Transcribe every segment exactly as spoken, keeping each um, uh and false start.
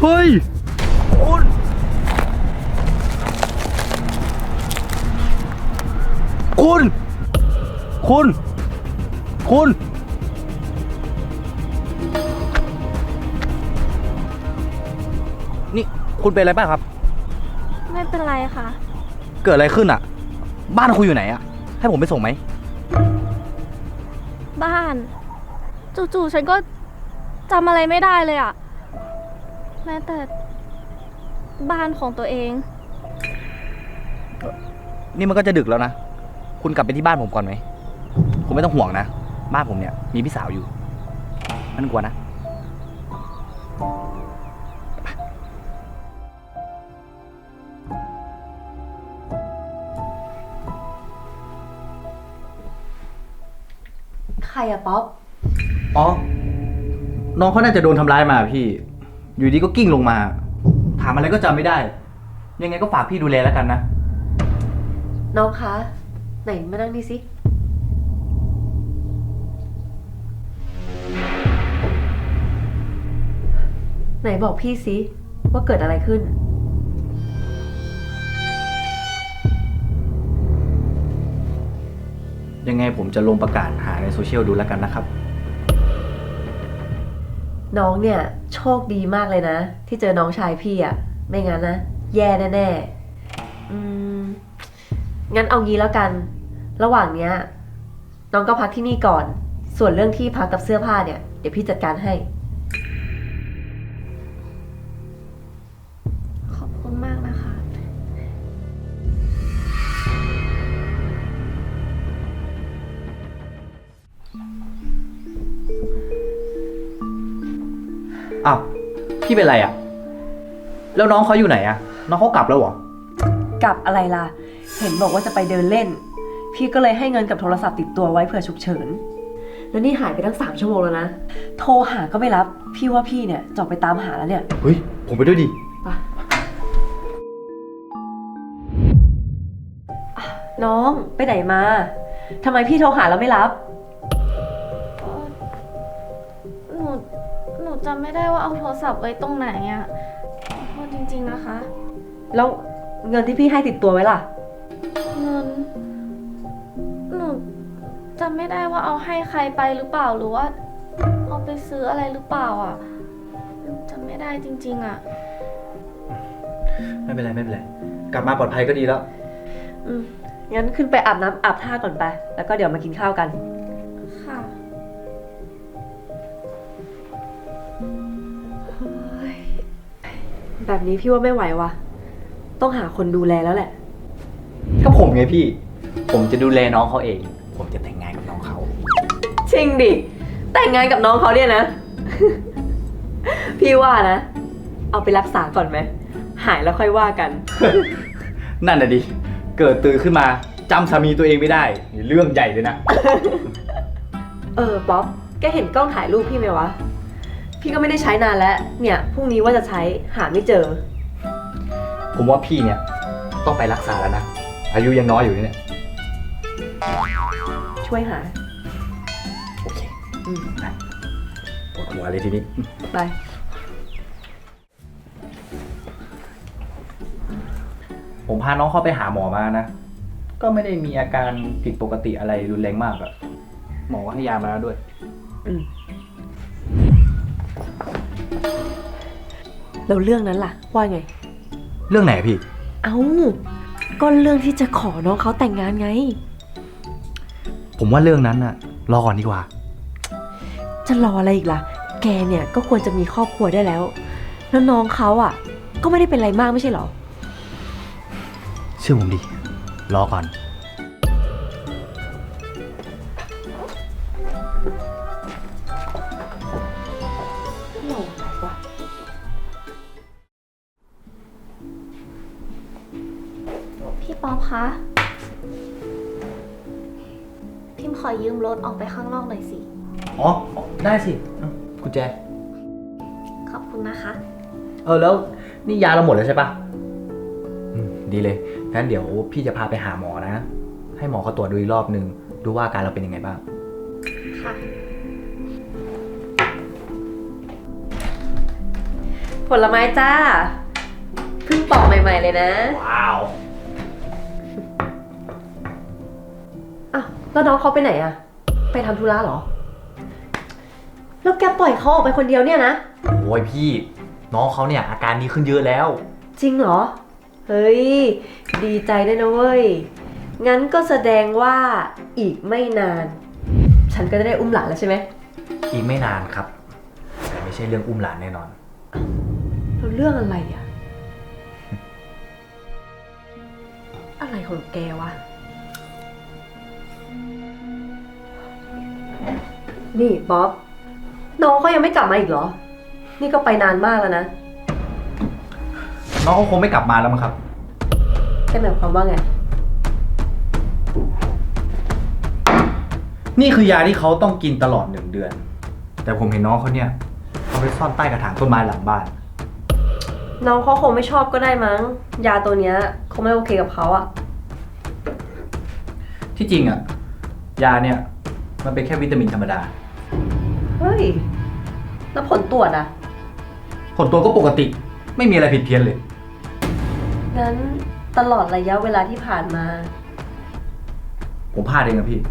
เฮ้ยคุณคุณ คุณ คุณ นี่คุณเป็นอะไรบ้างครับไม่เป็นไรค่ะเกิดอะไรขึ้นอ่ะ บ้านคุณอยู่ไหนอ่ะ ให้ผมไปส่งไหมบ้าน จู่ๆฉันก็จำอะไรไม่ได้เลยอะแม้แต่บ้านของตัวเองนี่มันก็จะดึกแล้วนะ คุณกลับไปที่บ้านผมก่อนไหม คุณไม่ต้องห่วงนะ บ้านผมเนี่ยมีพี่สาวอยู่ไม่ต้องกลัวนะใครอะป๊อปอ๋อ น้องเขาน่าจะโดนทำร้ายมาพี่ อยู่ดีก็กิ้งลงมา ถามอะไรก็จำไม่ได้ ยังไงก็ฝากพี่ดูแลแล้วกันนะน้องคะ ไหนมานั่งนี่สิ ไหนบอกพี่สิว่าเกิดอะไรขึ้นยังไงผมจะลงประกาศหาในโซเชียลดูแล้วกันนะครับน้องเนี่ยโชคดีมากเลยนะ ที่เจอน้องชายพี่อะไม่งั้นนะ แย่แน่ๆอืม งั้นเอางี้แล้วกัน ระหว่างเนี้ย น้องก็พักที่นี่ก่อน ส่วนเรื่องที่พักกับเสื้อผ้าเนี่ย เดี๋ยวพี่จัดการให้ขอบคุณมากนะคะอ้าว พี่เป็นไรอ่ะ แล้วน้องเขาอยู่ไหนอ่ะ น้องเขากลับแล้วเหรอกลับอะไรล่ะ เห็นบอกว่าจะไปเดินเล่น พี่ก็เลยให้เงินกับโทรศัพท์ติดตัวไว้เผื่อฉุกเฉิน แล้วนี่หายไปตั้งสามชั่วโมงแล้วนะ โทรหาก็ไม่รับ พี่ว่าพี่เนี่ยจะออกไปตามหาแล้วเนี่ยเฮ้ย ผมไปด้วยดิไปอ่ะน้องไปไหนมา ทำไมพี่โทรหาแล้วไม่รับหนู หนูจำไม่ได้ว่าเอาโทรศัพท์ไว้ตรงไหนอะขอโทษจริงๆนะคะแล้วเงินที่พี่ให้ติดตัวไว้ล่ะเงิน หนูจำไม่ได้ว่าเอาให้ใครไปหรือเปล่า หรือว่าเอาไปซื้ออะไรหรือเปล่าอะจำไม่ได้จริงๆอะไม่เป็นไรไม่เป็นไร กลับมาปลอดภัยก็ดีแล้วอืมงั้นขึ้นไปอาบน้ำอาบท่าก่อนไป แล้วก็เดี๋ยวมากินข้าวกันค่ะแบบนี้พี่ว่าไม่ไหววะต้องหาคนดูแลแล้วแหละก็ผมไงพี่ ผมจะดูแลน้องเขาเอง ผมจะแต่งงานกับน้องเขาจริงดิ แต่งงานกับน้องเขาเนี่ยนะ พี่ว่านะ เอาไปรักษาก่อนไหม หายแล้วค่อยว่ากันนั่นน่ะดิ เกิดตื่นขึ้นมาจำสามีตัวเองไม่ได้นี่เรื่องใหญ่เลยนะเออป๊อป แกเห็นกล้องถ่ายรูปพี่ไหมวะ พี่ก็ไม่ได้ใช้นานแล้ว เนี่ยพรุ่งนี้ว่าจะใช้หาไม่เจอผมว่าพี่เนี่ยต้องไปรักษาแล้วนะ อายุยังน้อยอยู่เนี่ยช่วยหาโอเคอืมไปปวดหัวเลยทีนี้ไปผมพาน้องเขาไปหาหมอมานะ ก็ไม่ได้มีอาการผิดปกติอะไรรุนแรงมากอะหมอก็ให้ยามาแล้วด้วยอืมแล้วเรื่องนั้นล่ะ ว่าไงเรื่องไหนพี่เอ้า ก็เรื่องที่จะขอน้องเขาแต่งงานไงผมว่าเรื่องนั้นอะรอก่อนดีกว่าจะรออะไรอีกล่ะ แกเนี่ยก็ควรจะมีครอบครัวได้แล้ว แล้วน้องเขาอ่ะ ก็ไม่ได้เป็นอะไรมากไม่ใช่เหรอเชื่อผมดิ รอก่อนพี่ป๊อปคะ พิมขอยืมรถออกไปข้างนอกหน่อยสิอ๋อ ได้สิเอากุญแจขอบคุณนะคะเออแล้วนี่ยาเราหมดแล้วใช่ปะอืมดีเลย งั้นเดี๋ยวพี่จะพาไปหาหมอนะ ให้หมอเขาตรวจดูอีกรอบนึง ดูว่าอาการเราเป็นยังไงบ้างค่ะผลไม้จ้า เพิ่งปอกใหม่ๆเลยนะว้าวอ้าวแล้วน้องเขาไปไหนอะไปทำธุระเหรอ แล้วแกปล่อยเขาออกไปคนเดียวเนี่ยนะโอ้ยพี่ น้องเขาเนี่ยอาการดีขึ้นเยอะแล้วจริงเหรอ เฮ้ย ดีใจด้วยนะเว้ย งั้นก็แสดงว่าอีกไม่นาน ฉันก็จะได้อุ้มหลานแล้วใช่ไหมอีกไม่นานครับ แต่ไม่ใช่เรื่องอุ้มหลานแน่นอนแล้วเรื่องอะไรอะอะไรของแกวะ นี่บ๊อบ น้องเขายังไม่กลับมาอีกเหรอ นี่ก็ไปนานมากแล้วนะน้องเขาคงไม่กลับมาแล้วมั้งครับแกหมายความว่าไงนี่คือยาที่เขาต้องกินตลอดหนึ่งเดือน แต่ผมเห็นน้องเขาเนี่ยเอาไปซ่อนใต้กระถางต้นไม้หลังบ้านน้องเขาคงไม่ชอบก็ได้มั้ง ยาตัวเนี้ยคงไม่โอเคกับเขาอะที่จริงอะยาเนี่ยมันเป็นแค่วิตามินธรรมดาเฮ้ย แล้วผลตรวจอะผลตัวก็ปกติไม่มีอะไรผิดเพี้ยนเลยงั้นตลอดระยะเวลาที่ผ่านมาผมพลาดเองนะพี่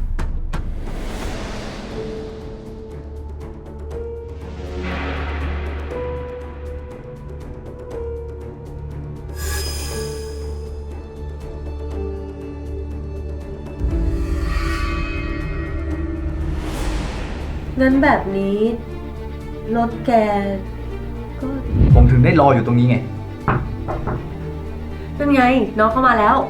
งั้นแบบนี้ รถแกก็ผมถึงได้รออยู่ตรงนี้ไงนั่นไง น้องเข้ามาแล้ว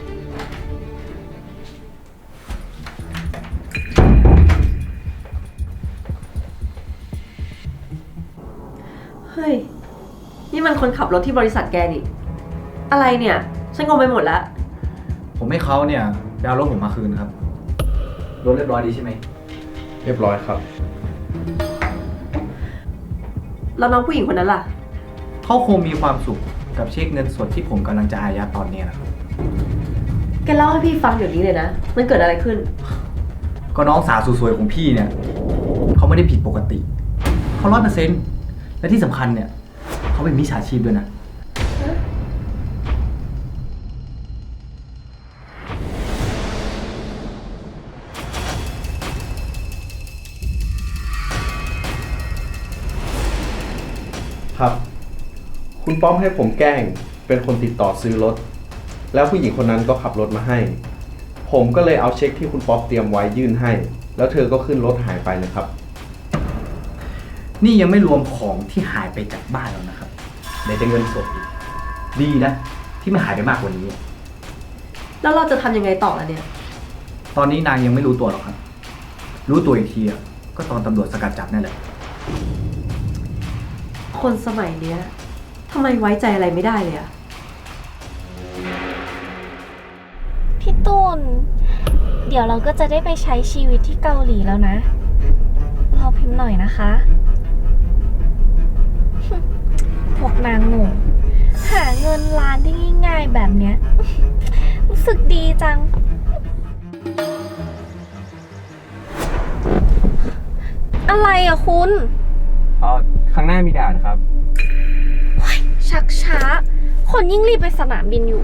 เฮ้ย นี่มันคนขับรถที่บริษัทแกนี่ อะไรเนี่ย ฉันงงไปหมดแล้วผมให้เขาเนี่ยไปเอารถผมมาคืนครับรถเรียบร้อยดีใช่ไหมเรียบร้อยครับแล้วน้องผู้หญิงคนนั้นล่ะเขาคงมีความสุขกับเช็คเงินสดที่ผมกำลังจะอายัดตอนนี้นะครับแกเล่าให้พี่ฟังเดี๋ยวนี้เลยนะ มันเกิดอะไรขึ้นก็น้องสาวสวยๆของพี่เนี่ยเขาไม่ได้ผิดปกติ เขาร้อยเปอร์เซ็นต์และที่สำคัญเนี่ยเขาเป็นมิจฉาชีพด้วยนะครับ คุณป้อมให้ผมแกล้งเป็นคนติดต่อซื้อรถ แล้วผู้หญิงคนนั้นก็ขับรถมาให้ ผมก็เลยเอาเช็คที่คุณป๊อปเตรียมไว้ยื่นให้ แล้วเธอก็ขึ้นรถหายไปเลยครับนี่ยังไม่รวมของที่หายไปจากบ้านแล้วนะครับไหนจะเงินสดอีกดีนะที่ไม่หายไปมากกว่านี้แล้วเราจะทำยังไงต่อล่ะเนี่ยตอนนี้นางยังไม่รู้ตัวหรอกครับ รู้ตัวอีกทีอะก็ตอนตำรวจสกัดจับนั่นแหละคนสมัยเนี้ยทำไมไว้ใจอะไรไม่ได้เลยอะพี่ตูน เดี๋ยวเราก็จะได้ไปใช้ชีวิตที่เกาหลีแล้วนะ รอพิมพ์หน่อยนะคะ พวกนางงงหาเงินล้านได้ง่ายๆแบบเนี้ย รู้สึกดีจัง อะไรอะคุณเออข้างหน้ามีด่านครับชักช้า คนยิ่งรีบไปสนามบินอยู่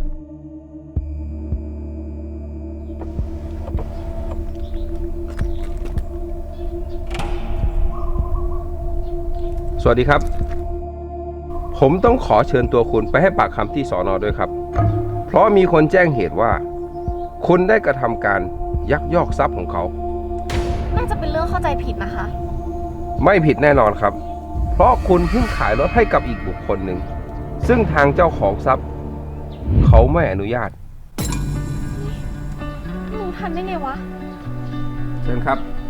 สวัสดีครับ ผมต้องขอเชิญตัวคุณไปให้ปากคำที่สอนอด้วยครับ เพราะมีคนแจ้งเหตุว่า คุณได้กระทำการยักยอกทรัพย์ของเขาน่าจะเป็นเรื่องเข้าใจผิดนะคะไม่ผิดแน่นอนครับ เพราะคุณเพิ่งขายรถให้กับอีกบุคคลหนึ่ง ซึ่งทางเจ้าของทรัพย์ เขาไม่อนุญาตรู้ทันได้ไงวะเชิญครับข